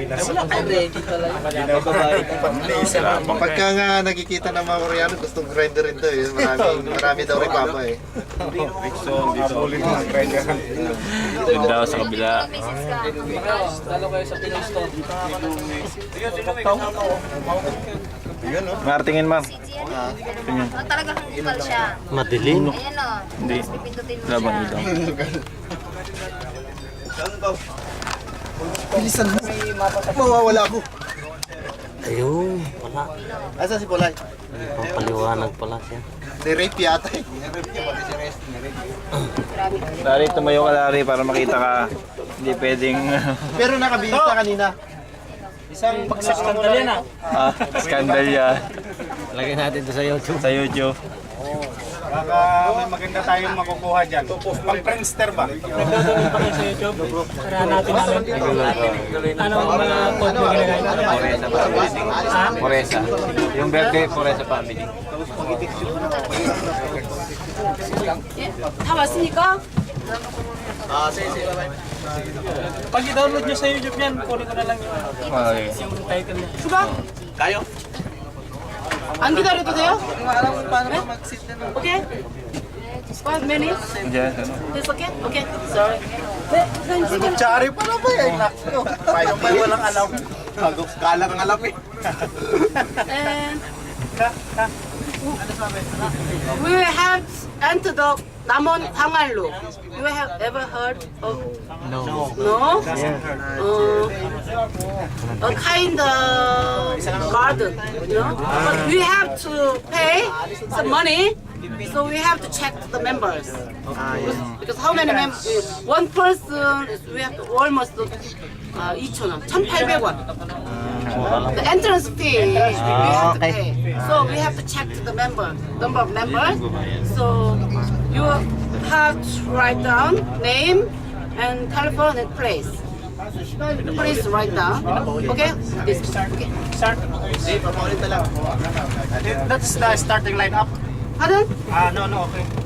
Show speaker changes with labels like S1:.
S1: Wala kayo ready talaga.
S2: Pagka nga nakikita ng mga Koreano, gustong grinder rin to eh. Marami daw rin papa eh.
S3: Doon daw sa kabila.
S1: Talo kayo sa Pinoy Store.
S3: Martingin, ma'am.
S4: Talagang hanggal siya.
S5: Madilim.
S4: Ayan o.
S3: Hindi.
S4: Pipindutin mo
S3: Laban
S4: siya.
S3: dito.
S2: Bilisan mo. Mawawala ako.
S5: Ayun, wala.
S2: Asa si Polay?
S5: Pampaliwanag pala siya.
S2: Ni-rape yata eh.
S3: Lari, tumayo ka, Lari, para makita ka. Hindi pwedeng...
S2: Pero nakabihis na kanina.
S1: Isang pagsaskandal yan ah.
S3: Skandal yan.
S5: Lagyan natin ito sa YouTube.
S3: Sa YouTube.
S6: Baka may maganda tayong makukuha dyan. Pang prankster ba?
S1: Nagdodolin pa kayo sa YouTube. Saranatin namin. Anong mga code mo ginagay?
S3: Poresa. Yung birthday, Poresa family.
S7: 다 왔으니까
S1: Pag i-download nyo sa YouTube yan, kunin ko na lang yung title niya.
S7: 수가 안 기다려도 돼요? 오케이. 5 minutes.
S3: Diyan, ano?
S7: It's okay? Okay. Sorry. 네, 선생님 지금
S2: Chari pa na ba eh? Nakso. Paano ba walang alam? Galang alam eh.
S7: and we have entered the 남원 항알로. You have ever heard of? No. No? A kind of garden, you know? But we have to pay some money, so we have to check the members. Because how many members? One person, we have to almost 2,000원, 1,800원. The entrance fee we have to pay. So we have to check the number of members. So you have to write down name and telephone and place. Please write down. Okay? This. Okay.
S6: Start. That's the starting lineup.
S7: Pardon?
S6: No, okay.